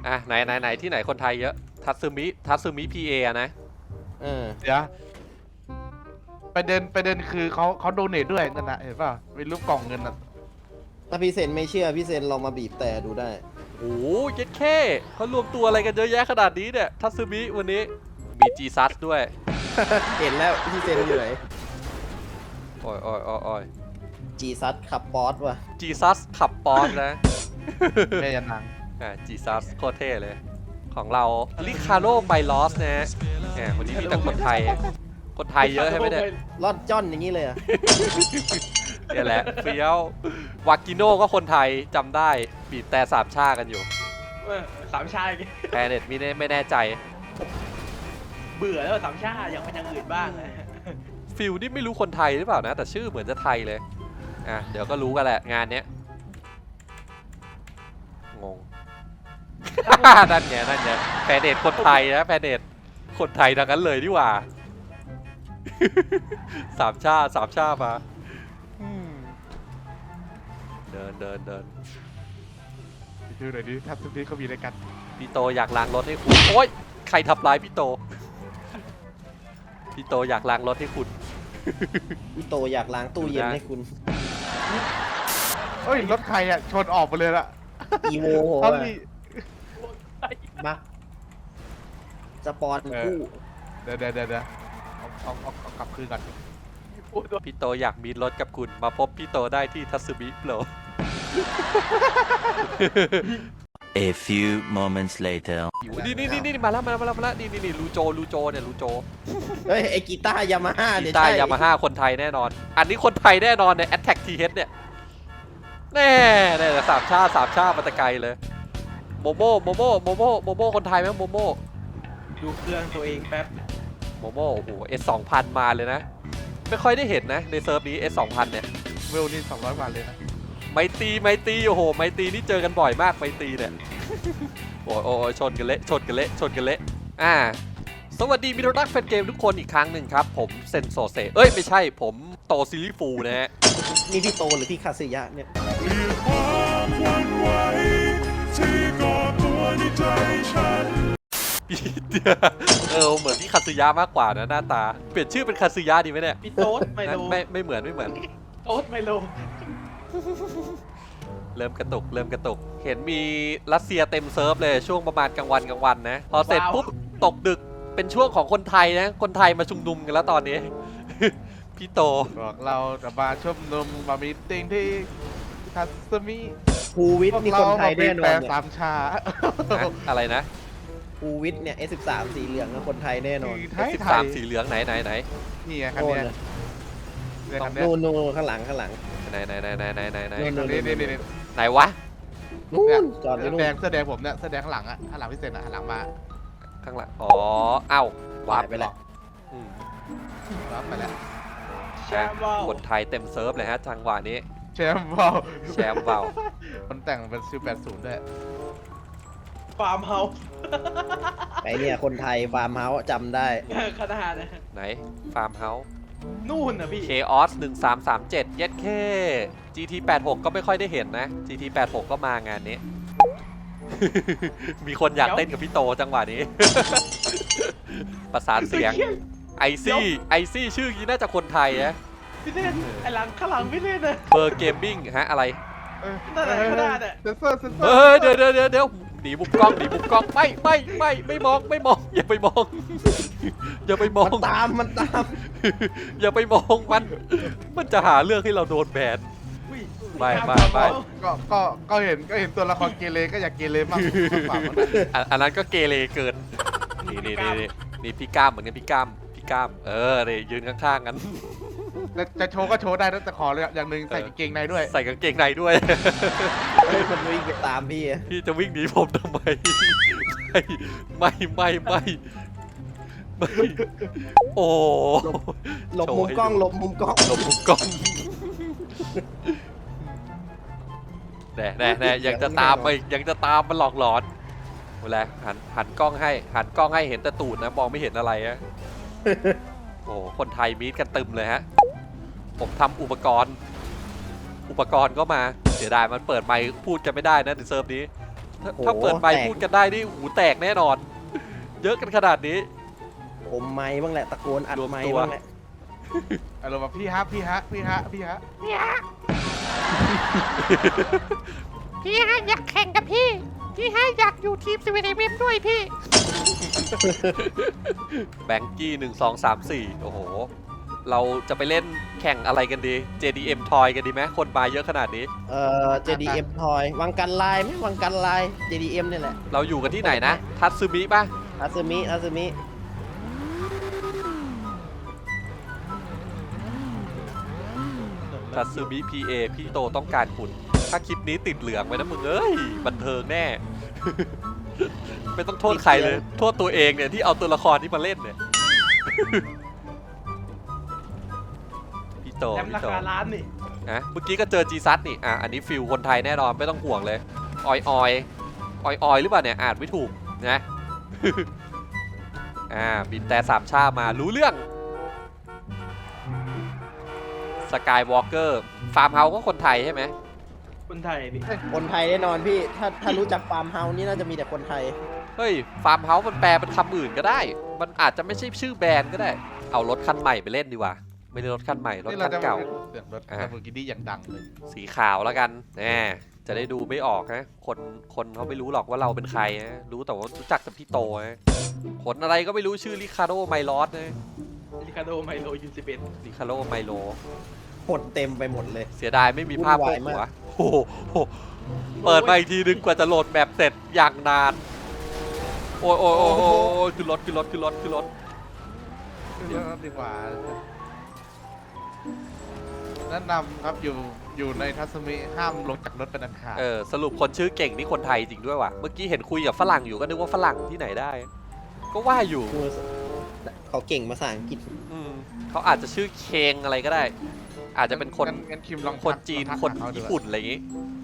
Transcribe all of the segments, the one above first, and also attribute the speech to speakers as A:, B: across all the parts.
A: อ่ะไหนที่ไหนคนไทยเยอะทัตสึมิพีเอนะ
B: เดี๋ยวไปเดินคือเขาโดเนทด้วยนั่นนะเห็นป่ะเป็นรูปกล่องเงินน่ะ
C: ถ้าพี่เซนไม่เชื่อพี่เซนลองมาบีบแต่ดูได้
A: โอ้ยเย็ดแค่เขารวมตัวอะไรกันเยอะแยะขนาดนี้เนี่ยทัตสึมิวันนี้มีจีซัสด้วย
C: เห็นแล้วพี่เซนอยู่ไหน
A: โอ้ย
C: จีซัดขับป๊อตว่ะ
A: จีซัสขับปอนนะ
B: แม่ยันนาง
A: จีซัสโคตรเท่เลย ของเราลิคาโรไบลอสนะฮะวันนี้มีแต่คนไทยเยอะใช่ไหมเนี่ย
C: รอดจ้อนอย่างนี้เลยอ่ะ
A: เนี่ยแหละเฟี้ยววากิโน่ก็คนไทยจำได้บีบแต่สามชากันอยู่
D: สามชาติ
A: แพเน็ตไม่แน่ใจ
D: เบื่อแล้วสามชาติอยากเป็นอย่างอื่นบ้างเลย
A: ฟิลนี่ไม่รู้คนไทยหรือเปล่านะ แต่ชื่อเหมือนจะไทยเลยเดี๋ยวก็รู้กันแหละงานเนี้ยงง นั่นไงแพเน็ตคนไทยนะแพเน็ตคนไทยดังนั้นเลยดีกว่า สามชาติมาเดิน
B: ดูหน่อยดิทัศน์นี้เขามีอะไรกัน
A: พี่โตอยากล้างรถให้คุณโอ๊ยใครทำร้ายพี่โตอยากล้างรถให้คุณ
C: พี่โตอยากล้างตู้เย็นให้คุณ
B: เฮ้ยรถใครอ่ะชนออกไปเลยละ
C: อีโว
B: เอา
C: ว่ะ
B: ดิ
C: มาสปอนคู่
B: เดี๋ยวเอากลับคืนก่อน
A: พี่โตอยากมีรถกับคุณมาพบพี่โตได้ที่ทัตสึมิโปร
E: A few moments later.
A: นี่มาแล้วนี่ลูโจเนี่ยลูโจ
C: เฮ้ยไอกีตาร์ยามาฮ่า
A: กี
C: เนี่ย
A: ตาร์
C: ใช่
A: ยามาฮ่าคนไทยแน่นอน อันนี้คนไทยแน่นอนเนี่ย Attack TH เนี่ยแน่สามชาติมาแตะไกลเลยโมโม่คนไทยไหมโมโม่
D: ดูเครื่องตัวเองแป๊บ
A: โอ้โห S2000 มาเลยนะ ไม่ค่อยได้เห็นนะในเซิร์ฟนี้ S2000 เนี่ย
B: เวลนี่200 บาทเลยนะ
A: ไมตรีโอ้โหไมตรีนี่เจอกันบ่อยมากไมตรีเนี่ย โอ้ยชนกันเละสวัสดีมิตรรักแฟนเกมทุกคนอีกครั้งหนึ่งครับผมเซนโซเซไม่ใช่ผมโตซิลิฟูนะฮะ
C: นี่พี่โตหรือพี่คาซึยะเนี่ย
A: เหมือนพี่คาซึยะมากกว่านะหน้าตาเปลี่ยนชื่อเป็นคาซึยะดีไหมเนี่ย
D: พี่โต๊ดไมโล
A: ไม่เหมือน
D: โต๊ดไมโล
A: เริ่มกระตุกเห็นมีรัสเซียเต็มเซิร์ฟเลยช่วงประมาณกลางวันนะพอเสร็จปุ๊บตกดึกเป็นช่วงของคนไทยนะคนไทยมาชุมนุมกันแล้วตอนนี้ พี่โต
B: บอกเราจะมาชมนุมมามีติ้งที่ทัศมิ
C: ภูวิทย์นี่คนไทยแน่นอน
B: แปล
C: เนี่ย
B: สามชา
A: อะไรนะ
C: ภูวิทย์เนี่ย S13 สีเหลืองนะคนไทยแน่นอน
B: ไทย
A: 13สีเหลืองไหน
B: นี่ไงคันเนี้ยเนี่ยคันเนี้ย
C: นู่นข้างหลัง
A: ไหน
C: นู่น
B: นี่
A: ไหนวะ
C: นู่นจอดไว้นู่น
B: เสื้อแดงผมเนี่ยเสื้อแดงข้างหลังอ่ะข้างหลังพี่เซนอ่ะข้างหลังมา
A: ข้างหลังอ๋อเอ้าวาร์ป
C: ไปแล้ว
B: รับไปแล้ว
D: แชมป์ว่าว
A: คนไทยเต็มเซิร์ฟเลยฮะจังหวะนี้
B: แชมป์เบา
A: แชมป์เบา
B: มันแต่งเป็น1080ด้วย
D: ฟาร์มเฮาส์
C: ไอเนี่ยคนไทยฟาร์มเฮาส์จำได้
D: ขนาดนะ
A: ไหนฟาร์มเฮาส์
D: นู่นนะพี่
A: Chaos 1337เย็ดแค่ GT86 ก็ไม่ค่อยได้เห็นนะ GT86 ก็มางานนี้ มีคนอยากเต้นกับพี่โตจังหวะนี้ ประสานเสียงไอซี่ชื่อนี้น่าจะคนไทยนะ
D: พี่เล่นไอหลังข้างหลังพี่เล่นนะ
A: เบอร์เกมมิ่งฮะอะไร
D: นั่นแหละขนาดอ่ะ
B: เซนเซอร์
A: เดี๋ยวหนีมุมกล้องไม่มองอย่าไปมอง อย่าไปมอง
C: มันตาม
A: อย่าไปมองมันจะหาเรื่องให้เราโดนแบน
D: อุ้ย
A: ไม่
B: ก็เห็นตัวละครเกเรก็อยากเกเรมากกว่ามัน
A: อันนั้นก็เกเรเกินนี่พี่ก้ามเหมือนกันพี่ก้ามเลยยืนข้างๆกัน
B: จะโชว์ก็โชว์ได้นะแต่ขอเลยอย่างหนึ่งใส่กางเกงในด้วย
A: ใส่กางเกงในด้วย
C: เฮ้ยมันวิ่งไปตามพี่อะ
A: พี่จะวิ่งหนีผมทำไมไม่โอ้
C: หลบมุมกล้อง
A: หลบมุมกล้องแน่ยังจะตามมันหลอกหลอนเวลาหันกล้องให้เห็นแต่ตูดนะมองไม่เห็นอะไรอะโอ้คนไทยมีดกันตึมเลยฮะผมทำอุปกรณ์ก็มาเสียดายมันเปิดไมค์พูดกันไม่ได้นะในเซิร์ฟนี้ถ้าเปิดไมค์พูดกันได้นี่หูแตกแน่นอน เยอะกันขนาดนี้
C: อมไม้บ้างแหละตะโกนอัด
A: รวม
C: ไม้
A: ตัว
C: บ้างแหละ
B: อารมณ์แบบพี่ฮะพี่ฮะพี่ฮะพี่ฮะ
F: พี่ฮะอยากแข่งกับพี่ พี่ฮะอยากอยู่ทีมสวีเดนเวมด้วยพี่
A: แบงกี้1 2 3 4 โอ้โห เราจะไปเล่นแข่งอะไรกันดี JDM Toy กันดีไหมคนมาเยอะขนาดนี้
C: JDM ทอยวังกันลายไหมวังกันลาย JDM นี่แหละ
A: เราอยู่กันที่ไหนนะ ทัตซึมิป่ะ
C: อาซึมิอาซึมิ
A: ทัตซึมิ PA พี่โตต้องการคุณ ถ้าคลิปนี้ติดเหลืองไปนะมึงเอ้ย บันเทิงแน่ ไม่ต้องโทษใครเลย โทษตัวเองเนี่ยที่เอาตัวละครนี้มาเล่นเนี่ย พี่โต
D: แถม
A: พี่
D: รา
A: โต
D: คาล้านนี่
A: อ่ะเมื่อกี้ก็เจอจีซัสนี่อันนี้ฟิลคนไทยแน่นอนไม่ต้องห่วงเลย ออยออยออยออยหรือเปล่าเนี่ยอ่านไม่ถูกนะ บินแต่สามชามารู้เรื่องสกายวอล์กเกอร์ฟาร์มเฮาส์ก็คนไทยใช่ไหม
D: คนไทยพี่
C: คนไทยแน่นอนพี่ ถ้ารู้จักฟาร์มเฮาส์นี่น่าจะมีแต่คนไทย
A: เฮ้ยฟาร์มเฮาส์มันแปลเป็นคำอื่นก็ได้ มันอาจจะไม่ใช่ชื่อแบรนด์ก็ได้ เอารถคันใหม่ไปเล่นดีกว่า ไม่ได้รถคันใหม่รถ
B: นี่
A: คั
B: เรา
A: น
B: จะ
A: เก่า
B: เสียงรถ
A: อ่ะ
B: ลาโบกินี่อย่างดังเลย
A: สีขาวแล้วกันแหมจะได้ดูไม่ออกนะคนเขาไม่รู้หรอกว่าเราเป็นใครนะรู้แต่ว่ารู้จักแต่พี่โตนะขนอะไรก็ไม่รู้ชื่อริคาโดไมลอสนะ
D: ริคาโดไมโลยูสิเบน
A: ริคาโดไมโล
C: หดเต็มไปหมดเลย
A: เสียดายไม่มีภาพ
C: วุ่
A: โป๊
C: นวาย
A: หัว
C: มาก
A: โอ้โหเปิดมาอีกทีนึงกว่าจะโหลดแบบเสร็จอย่างนาน โอ้ยโอ้ยโอ้ยโอ้ยขึ้นรถขึ้นรถขึ้นรถขึ้นรถ
B: เดี๋ยวดีกว่าแนะนำครับอยู่ในทัศมิห้ามลงจากรถเป็นอันขาด
A: สรุปคนชื่อเก่งนี่คนไทยจริงด้วยว่ะ เมื่อกี้เห็นคุยกับฝรั่งอยู่ก็นึกว่าฝรั่งที่ไหนได้ ก็ว่าอยู่
C: เขาเก่งภาษาอังกฤษ
A: เขาอาจจะชื่อเคงอะไรก็ได้ อาจจะเป็นคน
B: งั้นคิมลอง
A: คนจีน
B: ทัก
A: คน
B: หาเขาดู
A: ญี่ปุ่นอะไรอย่างงี้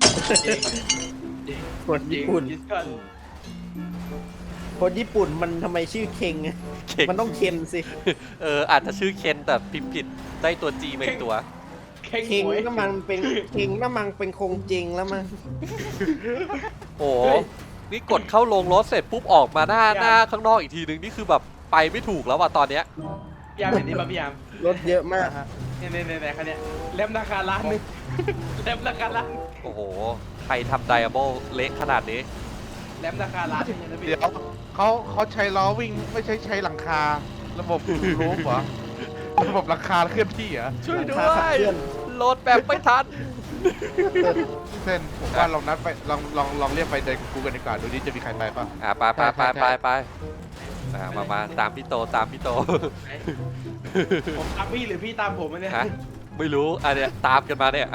C: คนญี่ปุ่น
D: ยิสกัน
C: คนญี่ปุ่นมันทำไมชื่อเคงอะ
A: เก่ง
C: มันต้องเคนสิ
A: อาจจะชื่อเคนแต่พิมพ์ผิดได้ตัวจีมาอีกตัว
D: เข่ง
C: เคง
D: หวย
C: ก็มันเป็นเคงน้ำมันเป็นคงจริงแล้วมั้ง
A: โอ้โหนี่กดเข้าลงรถเสร็จปุ๊บออกมาหน้าข้างนอกอีกทีนึงนี่คือแบบไปไม่ถูกแล้วว่ะตอนเนี้ย
D: พี่ยามเห็นนี่ป่ะพี่ยาม
C: รถเยอะมาก
D: เนี่ยคันเนี้ยเล่มราคาล้านนึงเล่มราคาล้าน
A: โอ้โหใครทำไดอะโบเละขนาดนี้
D: เล่มราคาล้านนึงนะพี่
B: เดี๋ยวเขาใช้ล้อวิ่งไม่ใช่ใช้หลังคา ระบบรูฟเหรอระบบหลังคาเคลื่อนที่เหรอ
A: ช่วยด้
C: หลัง
A: ว
C: คาขับ
A: ย
C: เคลื่อน
A: โหลดแบบไม่ทัน
B: เส้นผมว่าลองนัดไปลองเรียกไปเดินกูกันดีกว่าดูดิจะมีใครไปป่ะ
A: ไปมาตามพี่โตตามพี่โต
D: ผมตามพี่หรือพี่ตามผมเนี่ย
A: ฮะไม่รู้อันเนี้ยตามกันมาเนี่ย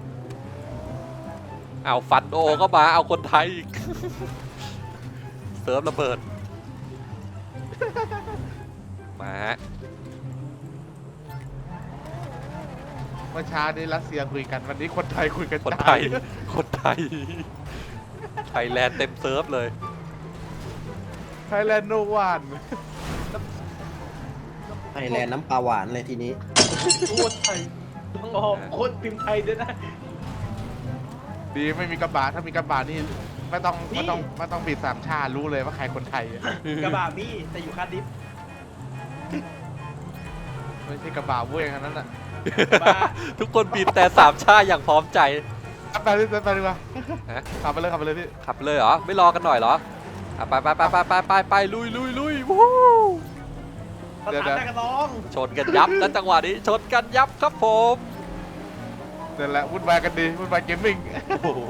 A: เอาฟันโอก็มาเอาคนไทยอีก เซิร์ฟระเบิดมาฮะ
B: เมื่อเช้านี้รัสเซียคุยกันวันนี้คนไทยคุยกัน
A: คนไทยไทยแลนด์เต็มเซิร์ฟเลย
B: ไทยแลนด์โนวัน
C: ไอแลนด์น้ำปลาหวานเลยทีนี้
D: โคตรไทยต้องออกโคตรพิมพ์ไทยด้วยนะ
B: ดีไม่มีกระบะถ้ามีกระบะนี่ไม่ต้องบิดสามชารู้เลยว่าใครคนไทยอะ
D: กระบะพี่แต่อยู่คาร์ดิฟ
B: ไม่ใช่กระบะเว้ยขนาดนั้นอ่ะ
D: กระบะ
A: ทุกคนบินแต่สามชาอย่างพร้อมใจ
B: ไปเลยไปดีกว่า
A: ฮะ
B: ขับไปเลยพี่
A: ขับเลยเหรอ ไม่รอกันหน่อยเหรอไปลุยวู้
D: สถานหน้ากระตอง
A: ชนกันยับนะจังหวะนี้ชนกันยับครับผม
B: นั่นแหละวุ่นวายกันดีวุ่นวายเกมมิ่ง
A: โอ้โห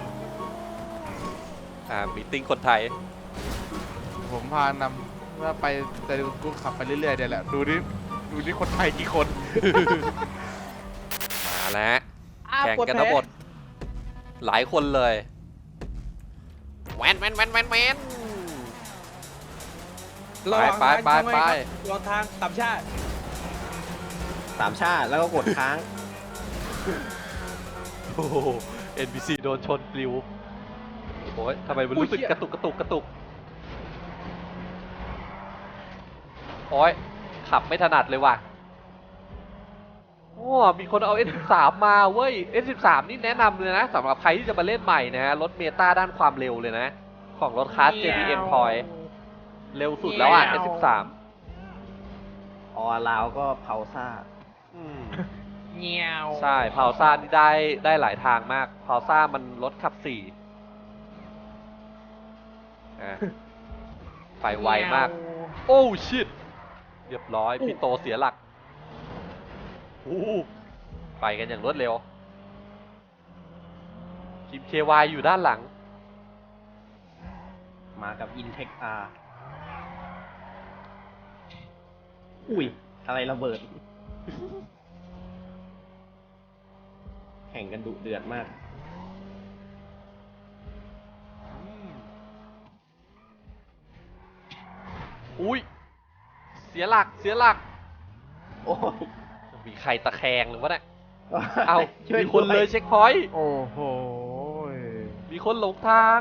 A: มีติ้งคนไทย
B: ผมพานำว่าไปแต่กูขับไปเรื่อยๆเดี๋ยวแหละดูนี่คนไทยกี่คน
A: มาแล้วแข่งกันทั้งหมดหลายคนเลยแวนไป
D: รอทางสามชาติ
C: สามชาติแล้วก็กดค้าง
A: โอ้โห NPC โดนชนปลิวโอ้ยทำไมมันรู้สึกกระตุกโอ้ยขับไม่ถนัดเลยว่ะโอ้มีคนเอา S13 มาเว้ย S13 นี่แนะนำเลยนะสำหรับใครที่จะมาเล่นใหม่นะฮะลดเมตาด้านความเร็วเลยนะ ของรถคลาส JDM Toy เร็วสุดแล้วอ่ะ S13
C: ออลาวก็เผาซ่า
A: อืม
D: เงี้ยว
A: ใช่พาวซ่านี่ได้หลายทางมากพาวซ่ามันรถขับ4อ่ะไปไวมาก โอ้ชิตเรียบร้อยพี่โตเสียหลักไปกันอย่างรวดเร็วทีม KY อยู่ด้านหลัง
C: มากับ Intec R อุ้ย อะไรระเบิด แข่งกันดุเดือดมาก
A: อุ้ยเสียหลัก
C: โอ้ย
A: มีใครตะแคงหรือวะเนี่ยเอา
C: ช่วย
A: มีคนเลย
C: ด้วย
A: เช็คพอยต์
B: โอ้โห
A: มีคนหลงทาง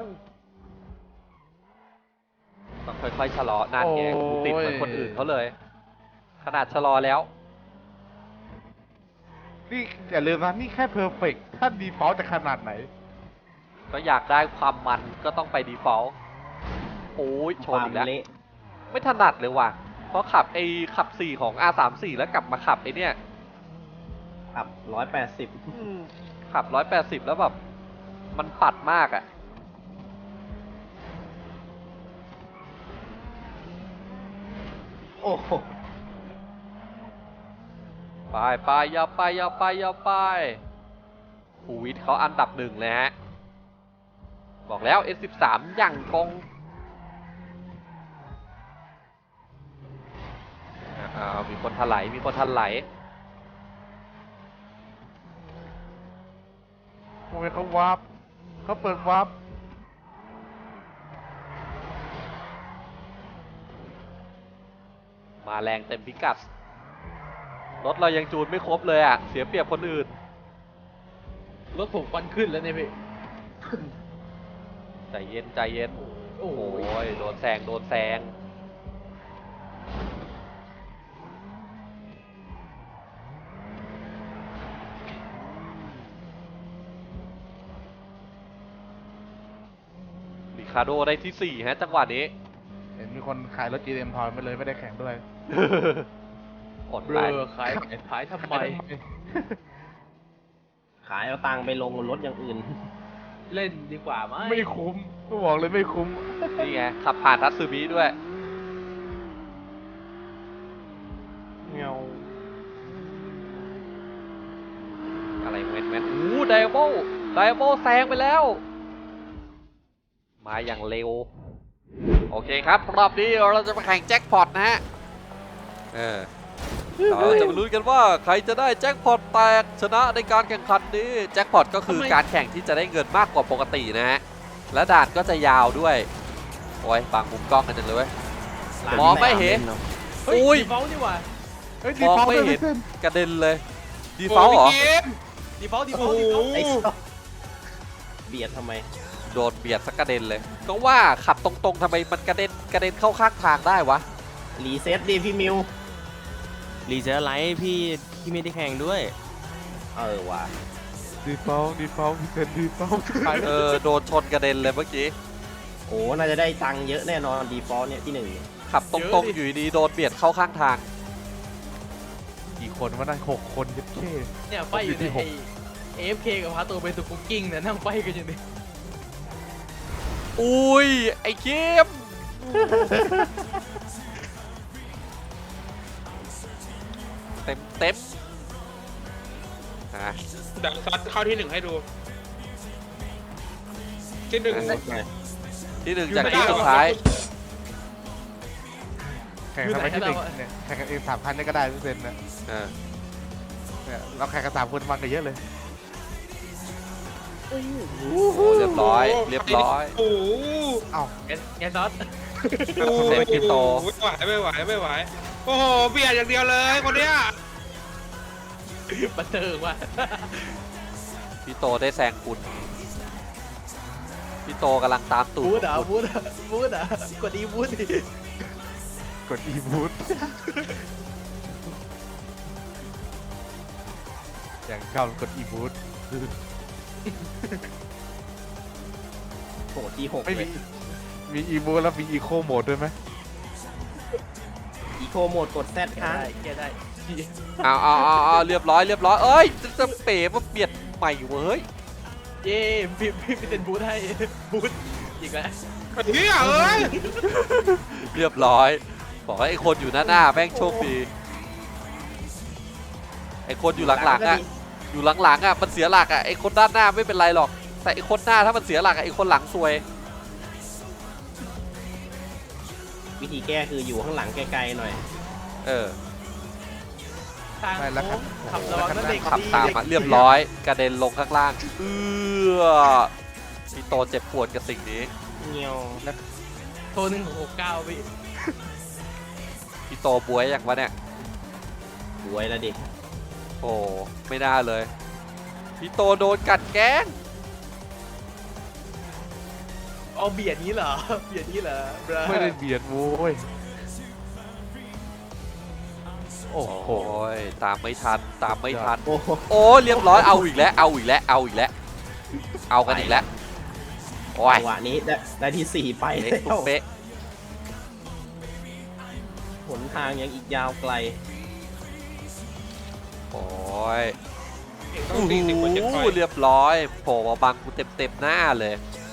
A: ต้องค่อยๆชะลอนั่นไงกูติดเหมือนคนอื่นเขาเลย ขนาดชะลอแล้ว
B: นี่อย่าลืมนะนี่แค่เพอร์เฟกถ้าดีฟอลต์จะขนาดไหน
A: ก็อยากได้ความมันก็ต้องไปดีฟอลต์โอ้ยชนอีกแล้ว
C: ความเละ
A: ไม่ถนัดเลยว่ะ เพราะขับขับ4ของ R34 แล้วกลับมาขับเนี่ย
C: ขับ180
A: ขับ180แล้วแบบมันปัดมากอ่ะ
C: โอ้โห
A: ไปอย่าไปภูวิทย์เขาอันดับ1เลยฮะ บอกแล้ว S13 อย่างกงมีคนถลาย
B: ทำไมเขาวาร์ปเขาเปิดวาร์ป
A: มาแรงเต็มพิกัด รถเรายังจูนไม่ครบเลยอ่ะ เสียเปรียบคนอื่น
D: รถผมควันขึ้นแล้วเนี่ยพี่
A: ใจเย็น
D: โอ้
A: โอ้
D: โห
A: ยโดนแซงริคาร์โดได้ที่ 4 ฮะ จังหวะนี้
B: เห็นมีคนขายรถ GM ทอยมาเลยไม่ได้แข่งด้วย
A: อด
D: เบ
A: ไป
D: ลอขายทำไม
C: ขายเอาตังค์ไปลงรถอย่างอื่น
D: เล่นดีกว่าไหม
B: ไม่คุ้มก็บอกเลยไม่คุ้ม
A: นี่ไง ขับผ่านทัตสึมิด้วย
B: เงา
A: อะไรเว้นไดโบแซงไปแล้ว มาอย่างเร็ว โอเคครับ รอบนี้เราจะมาแข่งแจ็คพอตนะฮะเราจะมาลุ้นกันว่าใครจะได้แจ็คพอตแตกชนะในการแข่งขันนี้แจ็คพอตก็คือการแข่งที่จะได้เงินมากกว่าปกตินะฮะและด่านก็จะยาวด้วยโอ้ยบางมุมกล้องกันจังเลยเว้ย มองไม่เห็น
D: เฮ้ย
A: อุ้ย
D: ดีฟอลต์นี่หว่า
B: เฮ้ย
A: ม
B: ดี
A: อง
B: ฟอลต์
A: ไม่
B: ไม่
A: เห็น
B: เส้น
A: กระเด็นเลยดีฟอลต์เหรอ
D: ดีฟอลต์ดีฟอลต์ดีฟอลต์
C: ไอ้สัสเบียดทำไม
A: โดนเบียดสักกระเด็นเลย ก็ว่าขับตรงๆทำไมมันกระเด็นเข้าข้างทางได้วะ
C: รีเซ็ตดิพี่มิว
G: รีเจอร์ไลท์พี่ไม่ได้แข่งด้วย
C: ว่ะ
B: ดีฟอลต์พี่เซนดีฟอลต์ขาย
A: โดนชนกระเด็นเลยเมื่อกี้
C: โอ้น่าจะได้ตังค์เยอะแน่นอนดีฟอลต์เนี่ยที่หนึ่ง
A: ขับตรงๆอยู่ดีๆโดนเบียดเข้าข้างทาง
B: กี่คนวะนั่น6 คนยัดเข้
D: เนี่ยไฟอยู่ใน
B: ที่หก
D: ไอ้ AFK กับพาตัวไปสุกุกกิ้งเนี่ยนั่งไฟกันอยู่นี่
A: อุ้ย ไอ้เข้มเต็มอ่ะ
H: ดักซัดเข้าที่หนึ่งให้ดู ที่หนึ่ง
A: ที่หนึ่งจากที่สุดท้าย
B: แข่งทำไมที่หนึ่งเนี่ยแข่งกันเอง3 คันเนี่ยก็ได้พี่เซนนะ
A: อ่า
B: เนี่ยเราแข่งกัน3 คนมันกันเยอะเลย
A: โอ้เรียบร้อย
H: โอ้โห
B: เอ้า
D: แกซอส
A: เต็มที่โต
H: ไม่ไหว โอ้โห เบียดอย่างเดียวเลยคนเนี้ย
D: บันเทิงว่ะ
A: พี่โตได้แซงคุณพี่โตกำลังตามตูด
D: บูดอ่ะ
A: ของคุณ
D: บูดอ่ะกดอีบูดดิ
B: กดอีบูทอย่างชอบกดอีบูท
C: โหที่6
B: ไม่
C: เล
B: มี
C: ย
B: มีอีบูทแล้วมีอีโคโหมดด้วยไหม
C: อีโคโหมดกด Z ค้าง
D: แกได้
A: เอาเรียบร้อยเอ้ยจะเป๋มาเปลี่ยนใหม่เว้ย
D: เย้พี่เป็นบูธให้บูธอีกแล้ว
H: เฮียเอ้ย
A: เรียบร้อยบอกว่าไอ้คนอยู่หน้าแม่งโชคดีไอ้คนอยู่หลังๆอ่ะอยู่หลังๆอ่ะมันเสียหลักอ่ะไอ้คนด้านหน้าไม่เป็นไรหรอกแต่ไอ้คนหน้าถ้ามันเสียหลักอ่ะไอ้คนหลังซวย
C: วิธีแก้คืออยู่ข้างหลังไกลๆหน่อย
A: เออ
D: ทาง
B: ไม่แล้วครับ
D: ขับระวังนั่นเด็ก
A: ขับ
D: ดี
A: ตาม
D: ด็ก
A: มา
D: ดี
A: เรียบร้อยกระเด็นลงข้างล่างพี่โตเจ็บปวดกับสิ่งนี้
C: เงียว
D: โทร1669พี่
A: พี่โตบวยอย่างวะเนี่ย
C: รวยแล้วดิ
A: โอ้ไม่น่าเลยพี่โตโดนกัดแกล้ง
D: เอาเบียดนี้เหรอเบียดนี้เหรอ
B: ไม่ได้เบียดโว้ยโอ้โห
A: โอ้ยตามไม่ทัน
C: โอ้โห
A: โอ้เรียบร้อยเอาอีกแล้วเอากันอีกแล้วโอ้ย
C: จังหวะนี้ได้ที่ 4 ไป
A: เละ
C: แล้
A: ตุ๊
C: ว
A: กเป๊ะ
C: หนทางยังอีกยาวไกล
A: โอ้ย
H: เก่งต้องตี10 กว่าเจ็ดพอยต์
A: เรียบร้อยโผล่มาบังกูเต็มหน้าเลย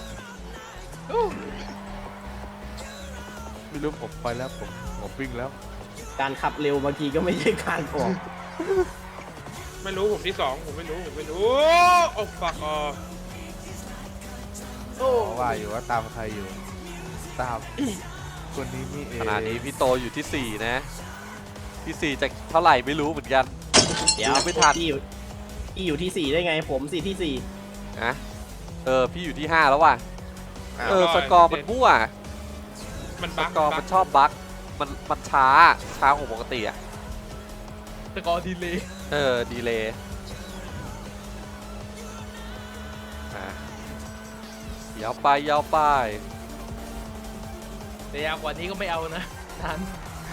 B: ไม่รู้ผมไปแล้วผมวิ่งแล้ว
C: การขับเร็วบางทีก็ไม่ใช่การออก
H: ไม่รู้ผมที่2ผมไม่รู้โอ้ฟักออ
B: ว่าอยู่ว่าตามใครอยู่ ตามคนนี้นี่เอง
A: ขณะนี้พี่โตอยู่ที่ 4 นะที่ 4จะเท่าไหร่ไม่รู้เหมือนกัน
C: เดี๋ยว
A: ไม่ทัน
C: พี่อยู่ที่ 4 ได้ไงผมสิที่
A: นะพี่อยู่ที่ 5 แล้วว่ะ
C: 4
A: สกอร์มันมั่ว
H: มัน
A: ส
H: บั๊ก
A: กอร์มันชอบบั๊กมันช้ากว่าปกติอ่ะ
D: สกอร์ดีเลย
A: ดีเลยยาวไป
D: แต่ยาวกว่านี้ก็ไม่เอานะนาน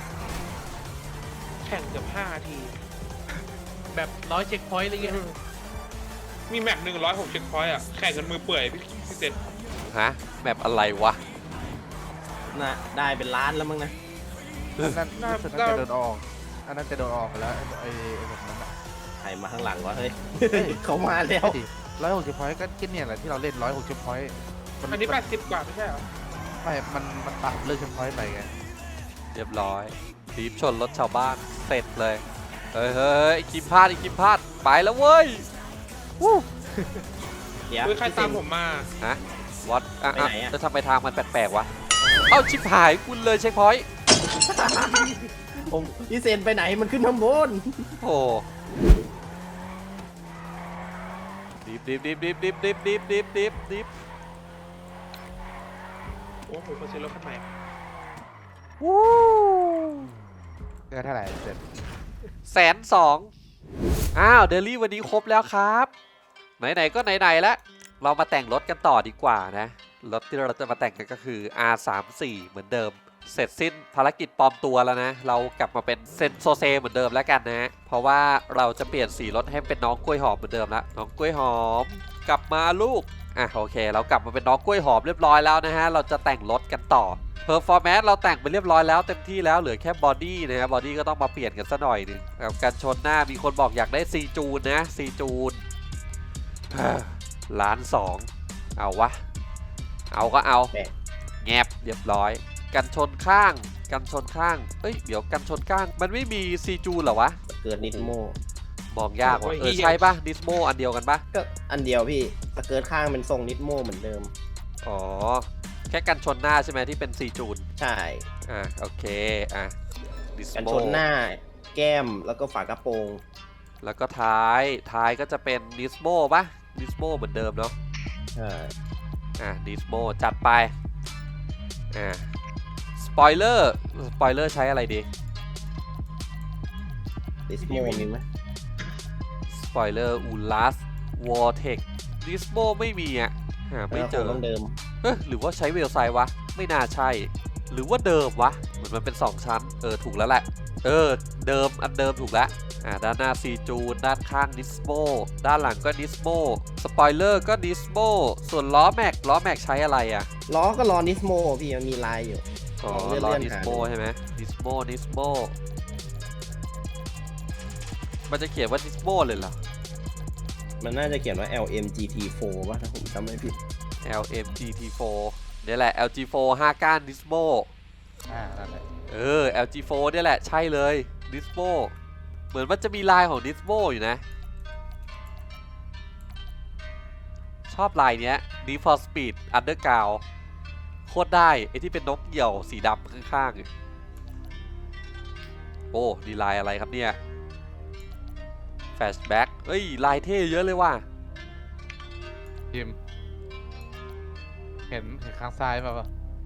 H: แข่งเกือบ5 ที
D: แบบ100เช็คพอยต์อะไรเงี้ย
H: มีแมป106 เช็คพอยต์อ่ะแข่งกันมือเปื่อยพี่เซน
A: ฮะแมปอะไรวะ
C: น่ะได้เป็นล้านแล้วมั้งนะ
B: อันนั้นน่าจะโดนออกอันนั้นจะโดนออกไปแล้วไอ้แบบนั้นอ่ะ
C: ใครมาข้างหลังวะเฮ้ย เขามาแล้ว
B: 160 พอยต์ก็คิดเนี่ยแหละที่เราเล่น160 พอยต์
H: อันนี้80 กว่าไม่ใช่เหรอ
B: ไม่มันปรับเลือกเช็คพอยต์ไปไง
A: เรียบร้อยทีบชนรถชาวบ้านเสร็จเลยเฮ้ยอีกคิมพลาดไปแล้วเว้ย
C: เดี๋ยว
H: เฮ้ยใครตามผมมา
A: ฮะวัดอ่ะ
C: ไปไหนอะ
A: แล้วทำไมทางมันแปลกๆวะเอ้าชิบหายคุณเลยเช็คพอยต์
C: ผมพี่เซนไปไหนมันขึ้นข้างบน
A: โอ้ดิบ
H: โอ้โหเขาซื้อรถคันใหม่
A: วู้
B: เท่าไหร่เสร็จ
A: 120,000อ้าวเดลี่วันนี้ครบแล้วครับไหนๆก็ไหนๆแล้วเรามาแต่งรถกันต่อดีกว่านะรถที่เราจะมาแต่งกันก็คือ R34 เหมือนเดิมเสร็จสิ้นภารกิจปลอมตัวแล้วนะเรากลับมาเป็นเซนโซเซเหมือนเดิมแล้วกันนะเพราะว่าเราจะเปลี่ยนสีรถให้เป็นน้องกล้วยหอมเหมือนเดิมแล้วน้องกล้วยหอมกลับมาลูกโอเคเรากลับมาเป็นน้องกล้วยหอมเรียบร้อยแล้วนะฮะเราจะแต่งรถกันต่อPerformance เราแต่งไปเรียบร้อยแล้วเต็มที่แล้วเหลือแค่บอดี้นะฮะบอดี้ก็ต้องมาเปลี่ยนกันซะหน่อยหนึงกับการชนหน้ามีคนบอกอยากได้ซีจูนนะซีจูน1.2 ล้านเอาวะเอาก็เอาแงบเรียบร้อยกันชนข้างเอ้ยเดี๋ยวกันชนข้างมันไม่มีซีจูนเหรอวะ
C: เกิดนิดโม
A: มองยากว่ะใช่ปะดิสโมอันเดียวกันปะ
C: ก็อันเดียวพี่สเกิร์ตข้างเป็นทรงนิดโมเหมือนเดิม
A: อ๋อแค่กันชนหน้าใช่ไหมที่เป็นซีจูน
C: ใช่
A: โอเคดิส
C: กัน
A: โม
C: ชนหน้าแก้มแล้วก็ฝากระโปรง
A: แล้วก็ท้ายก็จะเป็นดิสโมปะดิสโมเหมือนเดิมเนาะ
C: ใช่
A: ดิสโมจัดไปสปอยเลอร์ใช้อะไรดี
C: ดิสโมมีไหม
A: สปอยเลอร์อูลัสวอร์เทคดิสโมไม่มีหาไม่เจอ
C: ต้องเดิม
A: หรือว่าใช้เวลไซด์วะไม่น่าใช่หรือว่าเดิมวะเหมือนมันเป็น2ชั้นถูกแล้วแหละเดิมอันเดิมถูกแล้วด้านหน้าซีจูนด้านข้างนิสโมด้านหลังก็นิสโมสปอยเลอร์ก็นิสโมส่วนล้อแม็กใช้อะไรอ่ะ
C: ล้อก็ล้อนิสโมพี่มันมีลายอยู่
A: อ๋อ
C: เลื่อน
A: ล้อ
C: เลื่อน
A: นิส
C: หา
A: โม
C: ดู
A: ใช่ไหมนิสโมมันจะเขียนว่านิสโมเลยเหรอ
C: มันน่าจะเขียนว่า LMGT4 ป่ะถ้าผมจำไม่ผิด
A: LMGT4 เนี่ยแหละ LG4 5 ก้านนิสโม
B: นั่นแหละ
A: LG4 เนี่ยแหละใช่เลยนิสโมเหมือนมันจะมีลายของนิสโมอยู่นะ ชอบลายเนี้ย Need for Speed Underground โคตรได้ไอที่เป็นนกเหยี่ยวสีดำข้างๆโอ้ดีลายอะไรครับเนี่ย Flashback เฮ้ยลายเท่เยอะเลยว่ะ
B: ยิมเห็นข้างซ้ายป่ะ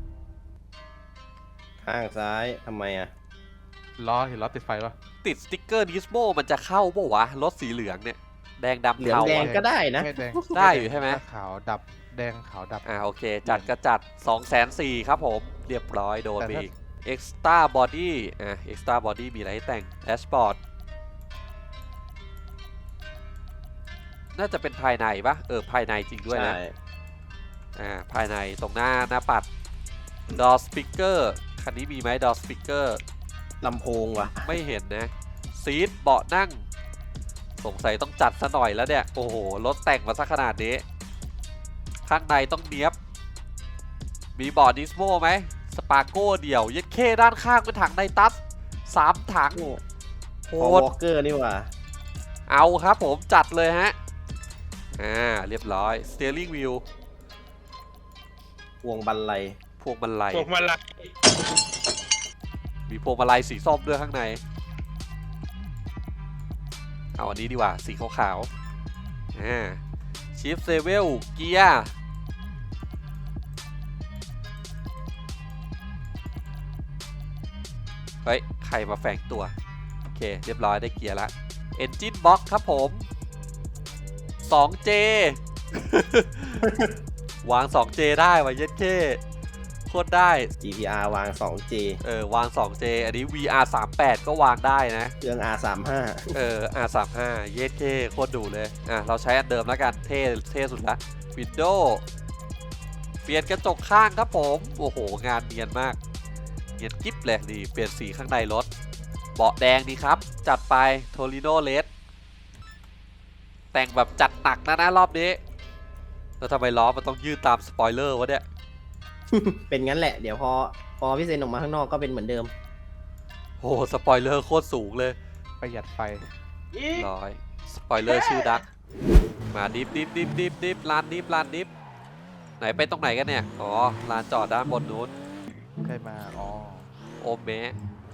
C: ข้างซ้ายทำไมอ่ะ
B: ล้อเห็นล้อติดไฟป่ะ
A: ติดสติ๊กเกอร์นิสโมมันจะเข้าป่าวะรถสีเหลืองเนี่ย แดงดำ
C: เหลือง
A: เทา
C: แดง
A: อะ
C: ก็ได้นะ
B: ไม่แดง
A: ได้อยู่ใช่ไหม
B: ขาวดับแดงขาวดับ
A: โอเค จัดก็จัด 204,000ครับผม เรียบร้อยโดนไปอีก Extra Body Extra Body มีอะไรให้แต่ง Dashboard น่าจะเป็นภายในปะภายในจริงด้วยนะ
C: ใช่
A: ภายในตรงหน้าปัด Door Speaker คันนี้มีไหม Door Speaker
C: ลำโพงว่ะ
A: ไม่เห็นนะซีทเบาะนั่ง สงสัยต้องจัดซะหน่อยแล้วเนี่ย โอ้โห รถแต่งมาซะขนาดนี้ ข้างในต้องเนี้ยบ มีเบาะนิสโมไหมสปาโก้เดี่ยวยัดเข้ด้านข้างเป็นถังไนตัส3 ถังโห
C: พอ
A: ด
C: วอลเกอร์นี่ว่ะ
A: เอาครับผมจัดเลยฮะ เรียบร้อย Steering Wheel
C: พวงบันไล
A: พวงมาลัย
H: พวกมันละ
A: มีพวงมาลัยสีส้มด้วยข้างใน เอาอันนี้ดีกว่า สีขาวๆชิฟเซเวลเกียร์ เฮ้ย ใครมาแฝงตัว โอเค เรียบร้อยได้เกียร์ละ Engine Box ครับผม 2J วาง 2J ได้ว่ะเย็ดเค้โคตรได้
C: GPR วาง 2J
A: วาง 2J อันนี้ VR 38ก็วางได้นะ
C: เครื่อง R35
A: R35 เย็ดเค้โคตรดูเลย เราใช้อันเดิมแล้วกัน เท่สุดละ Windows เปลี่ยนกระจกข้างครับผม โอ้โห งานเนียนมาก เนียนกิ๊บเลยนี่เปลี่ยนสีข้างในรถ เบาะแดงดีครับ จัดไป Torino Red แต่งแบบจัดหนักนะรอบนี้ แล้วทำไมล้อมันต้องยืดตามสปอยเลอร์วะเนี่ย
C: เป็นงั้นแหละ เดี๋ยวพอพี่เซนออกมาข้างนอกก็เป็นเหมือนเดิม
A: โอ้สปอยเลอร์โคตรสูงเลย
B: ประหยัดไฟ
H: อีก
A: ร้อยสปอยเลอร์ชื่อดัก มาดิฟลานดิฟไหนไปตรงไหนกันเนี่ย อ๋อลานจอดด้านบนนู้น
B: ใครมา อ๋อ
A: โอมแมะ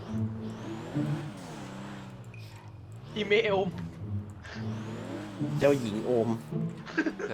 D: อีเมล
C: เจ้าหญิงโอม
A: นะ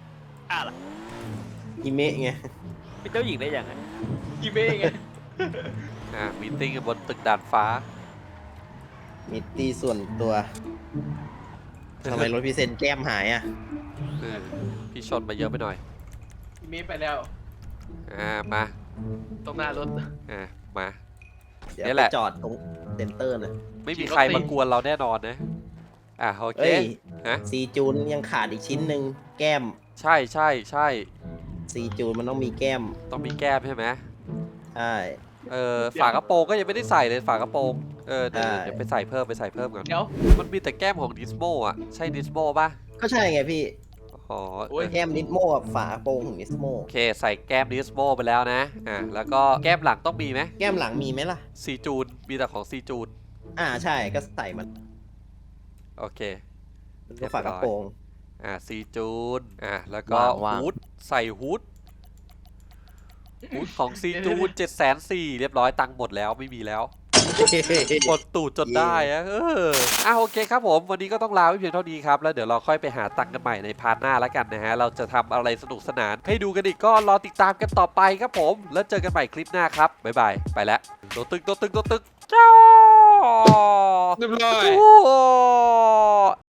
C: อิเมะไง
G: เป็นเจ้าหญิงได้ยังไง
D: อีเมลไง
A: มีตติ้งกันบนตึกดาดฟ้า
C: มิตตี้ส่วนตัวทำไมรถพี่เซนแก้มหายอ่ะ
A: พี่ชนมาเยอะไปหน่อย
D: อีเมลไปแล้ว
A: มา
D: ตรงหน้ารถ
A: มา
C: เดี๋ยว
A: นี่
C: ไป
A: แหละ
C: จอดตรงเซ็นเตอร์นะ
A: ไม่มีใครมากวนเราแน่นอนนะ โอเค
C: เอ้ย
A: ฮะ
C: ซีจูนยังขาดอีกชิ้นหนึ่งแก้ม
A: ใช่
C: ซีจูนมันต้องมีแก้ม
A: ต้องมีแก้มใช่ไหม
C: ใช่
A: ฝากระโปรงก็ยังไม่ได้ใส่เลยฝากระโปรงเดี๋ยว
C: ใช่
A: เดี๋ยวไปใส่เพิ่มก่อน
D: เดี๋ยว
A: มันมีแต่แก้มของดิสโมอ่ะ ใช่ดิสโมป่ะ
C: ก็ใช่ไงพี่
A: อ๋อ
C: แก้มนิสโมกับฝาโปรงของนิสโม
A: โอเคใส่แก้มดิสโมไปแล้วนะ แล้วก็แก้มหลังต้องมีไหม
C: แก้มหลังมีไหมล่ะ
A: ซีจูนมีแต่ของซีจูน
C: ใช่ก็ใส่มัน
A: โอเค
C: ก็ฝากระโปรง
A: ซีจูนแล้วก็
G: ว่าง
A: ฮูดใส่ฮูดของซีจูน740,000เรียบร้อยตังค์หมดแล้วไม่มีแล้วหมดตูดจนได้อะโอเคครับผมวันนี้ก็ต้องลาไว้เพียงเท่านี้ครับแล้วเดี๋ยวเราค่อยไปหาตังค์กันใหม่ในพาร์ทหน้าแล้วกันนะฮะเราจะทำอะไรสนุกสนานให้ดูกันอีกก็รอติดตามกันต่อไปครับผมแล้วเจอกันใหม่คลิปหน้าครับบ๊ายบายไปแล้วตัวตึกจ้า
H: เรียบร้อย
A: โอ้